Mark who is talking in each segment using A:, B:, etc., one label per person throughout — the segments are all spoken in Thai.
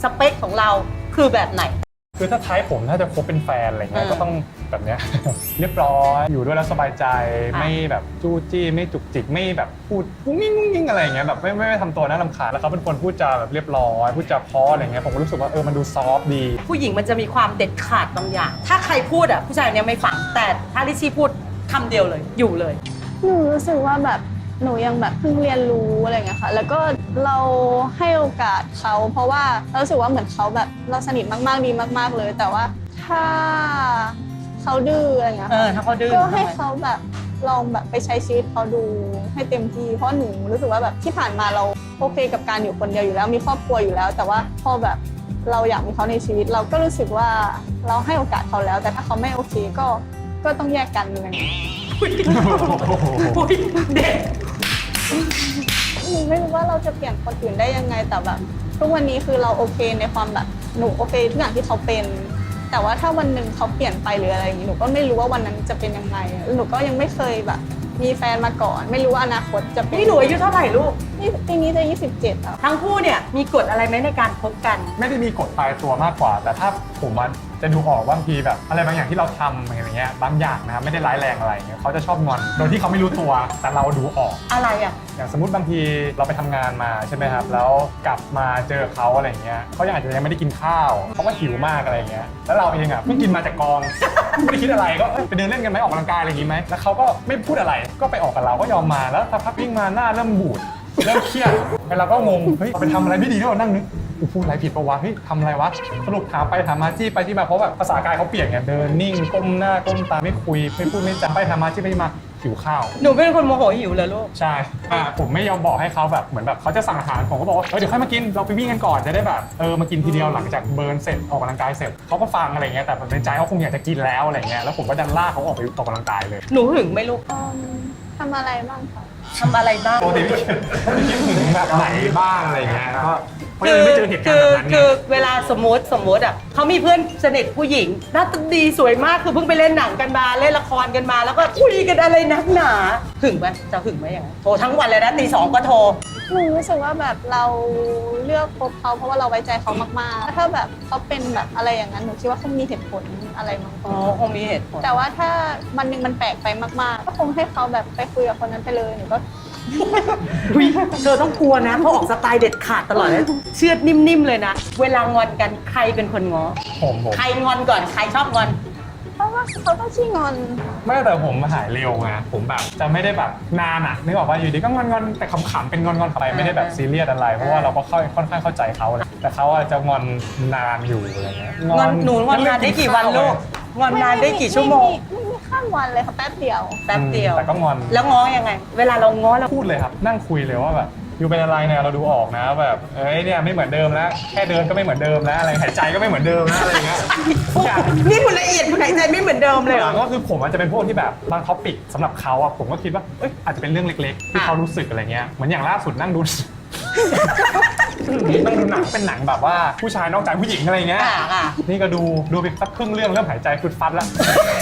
A: สเปคของเราคือแบบไหน
B: คือถ้าท้ายผมถ้าจะคบเป็นแฟนอะไรเงี้ยก็ต้องแบบเนี้ย เรียบร้อยอยู่ด้วยแล้วสบายใจไม่แบบจู้จี้ไม่จุกจิกไม่แบบพูดงุ้งงิ้งอะไรเงี้ยแบบไม่ทำตัวน่ารำคาญแล้วเขาเป็นคนพูดจาแบบเรียบร้อยพูดจาเพราะอะไรเงี้ยผมก็รู้สึกว่ามันดูซอฟต์ดี
A: ผู้หญิงมันจะมีความเด็ดขาดบางอย่างถ้าใครพูดผู้ชายเนี้ยไม่ฟังแต่ถ้าลิชี่พูดคำเดียวเลยอยู่เลย
C: หนูรู้สึกว่าแบบหนูยังแบบเพิ่งเรียนรู้อะไรเงี้ยค่ะแล้วก็เราให้โอกาสเขาเพราะว่าเรารู้สึกว่าเหมือนเขาแบบเราสนิทมากๆดีมากๆเลยแต่ว่าถ้าเขาดื้ออะไรเงี้ย
A: ถ้าเขาดื้อ
C: ก็ให้เขาแบบลองแบบไปใช้ชีวิตเขาดูให้เต็มที่เพราะหนูรู้สึกว่าแบบที่ผ่านมาเราโอเคกับการอยู่คนเดียวอยู่แล้วมีครอบครัวอยู่แล้วแต่ว่าพอแบบเราอยากมีเขาในชีวิตเราก็รู้สึกว่าเราให้โอกาสเขาแล้วแต่ถ้าเขาไม่โอเคก็ต้องแยกกันอะไรเงี้ย
A: เด็ก
C: หนูไม่รู้ว่าเราจะเปลี่ยนคนอื่นได้ยังไงแต่แบบทุกวันนี้คือเราโอเคในความแบบหนูโอเคทุกอย่างที่เขาเป็นแต่ว่าถ้าวันหนึ่งเขาเปลี่ยนไปหรืออะไรอย่างนี้หนูก็ไม่รู้ว่าวันนั้นจะเป็นยังไงหนูก็ยังไม่เคยแบบมีแฟนมาก่อนไม่รู้ว่าอนาคตจะเป็น
A: นี่หนูอายุเท่าไหร่ลูก
C: ปีนี้จะ27แล้ว
A: ทั้งคู่เนี่ยมีกฎอะไรไหมในการคบกัน
B: ไม่ได้มีกฎตายตัวมากกว่าแต่ถ้าผมจะดูออกบางทีแบบอะไรบางอย่างที่เราทำอย่างเงี้ยบางอย่างนะครับไม่ได้ร้ายแรงอะไรเงี้ยเขาจะชอบงอนโดยที่เขาไม่รู้ตัวแต่เราดูออก
A: อะไร
B: อย่างสมมติบางทีเราไปทำงานมาใช่ไหมครับแล้วกลับมาเจอเขาอะไรเงี้ยเขาอาจจะยังไม่ได้กินข้าวเขาก็หิวมากอะไรเงี้ยแล้วเราเองเพิ่งกินมาจากกองไม่ได้คิดอะไรก็ไปเดินเล่นกันไหมออกกำลังกายอะไรอย่างงี้ไหมแล้วเขาก็ไม่พูดอะไรก็ไปออกกับเราก็ยอมมาแล้วสักพักวิ่งมาหน้าเริ่มบูดเริ่มเครียดเราก็งงเฮ้ยไปทำอะไรไม่ดีด้วยนั่งนึกพูดอะไรผิดปะวะเฮ้ยทำอะไรวะสรุปถามไปถามมาจี้ไปที่มาเพราะแบบภาษากายเขาเปลี่ยนไงเดินนิ่งก้มหน้าก้มตาไม่คุยไม่พูดไม่จาไปถามมาจี้ไปที่มาหิวข้าว
A: หนูเป็นคนโมโหหิวเลยลูก
B: ใช่ผมไม่ยอมบอกให้เขาแบบเหมือนแบบเขาจะสั่งอาหารผมก็บอกว่าเดี๋ยวค่อยมากินเราไปวิ่งกันก่อนจะได้แบบมากินทีเดียวหลังจากเบิร์นเสร็จออกกำลังกายเสร็จเขาก็ฟังอะไรเงี้ยแต่ในใจเขาคงอยากจะกินแล้วอะไรเงี้ยแล้วผมก็ดันลากเขาออกไปออกกำลังกายเลย
A: หนูหึงไหมลูก
C: ทำอะไรบ้างคะ
A: ทำอะไรบ้าง
B: ปกติไม่คิดถึงแบบไหนบ้างอะไรเงี้ยก็เพราะยังไม่เจอเหตุการณ์แบบนั้น
A: คือเวลาสมมติเขามีเพื่อนสนิทผู้หญิงหน้าตาดีสวยมากคือเพิ่งไปเล่นหนังกันมาเล่นละครกันมาแล้วก็คุยกันอะไรนักหนาหึงไหมจะหึงไหมอย่างนั้นโทรทั้งวันเลยนะตี 2ก็โทร
C: หนูรู้สึกว่าแบบเราเลือกคบเขาเพราะว่าเราไว้ใจเขามากๆถ้าแบบเขาเป็นแบบอะไรอย่างนั้นหนูคิดว่าคงมีเหตุผลอะไรบาง
A: คงมีเหตุผล
C: แต่ว่าถ้าวันหนึ่งมันแปลกไปมากๆก็คงให้เขาแบบไปคุยกับคนนั้นไปเลยหนูก็
A: เธอต้องกลัวนะเขาออกสไตล์เด็ดขาดตลอดเลยเชือดนิ่มๆเลยนะเวลางอนกันใครเป็นคนง้อ
B: ผม
A: ใครงอนก่อนใครชอบงอน
C: เพราะว่าเขาต้องชี้งอน
B: ไม่แต่ผมหายเร็วไงผมแบบจะไม่ได้แบบนานนึกออกว่าอยู่ดีก็งอนแต่ขำๆเป็นงอนไปไม่ได้แบบซีเรียสอะไรเพราะว่าเราก็ค่อนข้างเข้าใจเขาเลยแต่เขาจะงอนนานอยู่อะไรเงี้ย
A: งอนหนูงอนนานได้กี่วันลูกงอนนานได้กี่ชั่วโมง
C: ไม่ข้ามวันเลยค่ะแป๊บเดียว
B: แต่ก็งอน
A: แล้วง้อยังไงเวลาเราง้อเรา
B: พูดเลยครับนั่งคุยเลยว่าแบบอยู่เป็นอะไรเนี่ยเราดูออกนะแบบเนี่ยไม่เหมือนเดิมแล้วแค่เดินก็ไม่เหมือนเดิมแล้วอะไรหายใจก็ไม่เหมือนเดิมนะอะไรเงี้ย
A: นี่คุณละเอียดคุณหายใจไม่เหมือนเดิมเลยเหรอ
B: ก็คือผมอาจจะเป็นพวกที่แบบบางท็อปิกสำหรับเขาผมก็คิดว่าอาจจะเป็นเรื่องเล็กๆที่เขารู้สึกอะไรเงี้ยเหมือนอย่างล่าสุดนั่งดูต้องดูหนังเป็นหนังแบบว่าผู้ชายนอกใจผู้หญิงอะไรเงี้ยนี่ก็ดูไปสักครึ่งเรื่องเริ่มหายใจฟึดฟัดแล้ว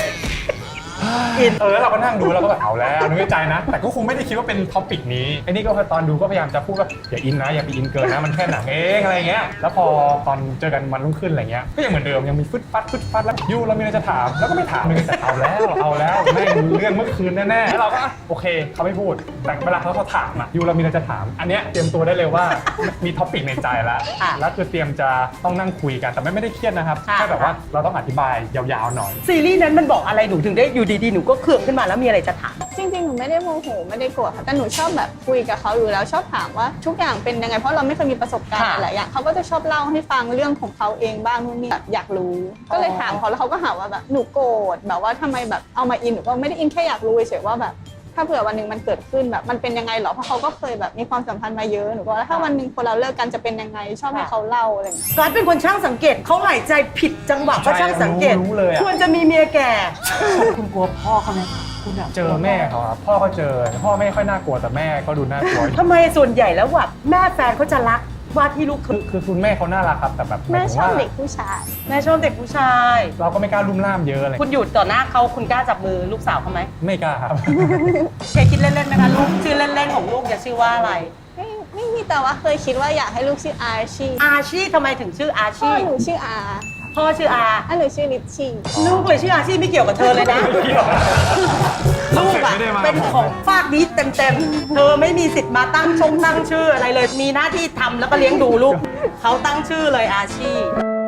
B: แล้วเราก็นั่งดูแล้วก็แบบเอาแล้วนึกในใจนะแต่ก็คงไม่ได้คิดว่าเป็นท็อปิกนี้ไอ้นี่ก็ตอนดูก็พยายามจะพูดว่าอย่าอินนะอย่าไปอินเกินนะมันแค่หนังเองอะไรเงี้ยแล้วพอตอนเจอกันวันรุ่งขึ้นอะไรเงี้ยก็ยังเหมือนเดิมยังมีฟึดฟัดแล้วยูเรามีอะไรจะถามแล้วก็ไม่ถามเลยแต่เอาแล้วไม่เรื่องเมื่อคืนแน่ๆแล้วเราก็โอเคเขาไม่พูดแต่เวลาเขาถามยูเรามีอะไรจะถามอันเนี้ยเตรียมตัวได้เลยว่ามีท็อปิกในใจแล้วคือเตรียมจะต้องนั่งคุยกันแต่ไม่ได้เครียดนะครับแค่แบบว่าเราต้องอธิบายยาวๆหน่อย
A: ซีรีส์นั้นมันบอกอะไรหนูถึงได้อยู่ดีๆหนูก็เคืองขึ้นมาแล้วมีอะไรจะถาม
C: จริงๆหนูไม่ได้โมโหไม่ได้โกรธค่ะแต่หนูชอบแบบคุยกับเขาอยู่แล้วชอบถามว่าทุกอย่างเป็นยังไงเพราะเราไม่เคยมีประสบการณ์หลายอย่างเขาก็จะชอบเล่าให้ฟังเรื่องของเขาเองบ้างนู่นนี่แบบอยากรู้ก็เลยถามเขาแล้วเขาก็หาว่าแบบหนูโกรธแบบว่าทำไมแบบเอามาอินหนูก็ไม่ได้อินแค่อยากรู้เฉยๆว่าแบบถ้าเผื่อวันหนึ่งมันเกิดขึ้นแบบมันเป็นยังไงหรอเพราะเขาก็เคยแบบมีความสัมพันธ์มาเยอะหนูก็ถ้าวันหนึ่งคนเราเลิกกันจะเป็นยังไงชอบให้เขาเล่าอะไรอย่างเงี้ย
A: ก๊อตเป็นคนช่างสังเกตเขาหายใจผิดจังหวะก็ช่างสังเกตควรจะมีเมียแก่คุณกลัวพ่อเขาไหมคุณ
B: เจอแม่เขาครับพ่อก็เจอพ่อไม่ค่อยน่ากลัวแต่แม่ก็ดูน่ากลัว
A: ทำไมส่วนใหญ่แล้วแบบแม่แฟนเขาจะรักว่าที่ลูก
B: คือคุณแม่เขาน่ารักครับแต่แบบ
C: แม่ชอบเด็กผู้ชาย
A: แม่ชอบเด็กผู้ชาย
B: เราก็ไม่กล้าลุ่มล่ามเยอะเลย
A: คุณหยุดต่อหน้าเขาคุณกล้าจับมือลูกสาวเขาไหม
B: ไม่กล้าครับ
A: แกคิดเล่นๆไหมคะลูกชื่อเล่นๆของลูกจะชื่อว่าอะไร
C: ไม่มีมีแต่ว่าเคยคิดว่าอยากให้ลูกชื่ออาชี
A: อาชีทำไมถึงชื่ออา
C: พ่อ
A: ชี
C: หนูชื่ออา
A: พ่อชื่ออา
C: หนูชื่อลิชชี่
A: ลูกเลยชื่ออาชีไม่เกี่ยวกับเธอเลยนะ ลูกอะเป็นของฝากนี้เต็มๆ เธอไม่มีสิทธิ์มาตั้งชื่ออะไรเลย มีหน้าที่ทำแล้วก็เลี้ยงดูลูก เขาตั้งชื่อเลยอาชี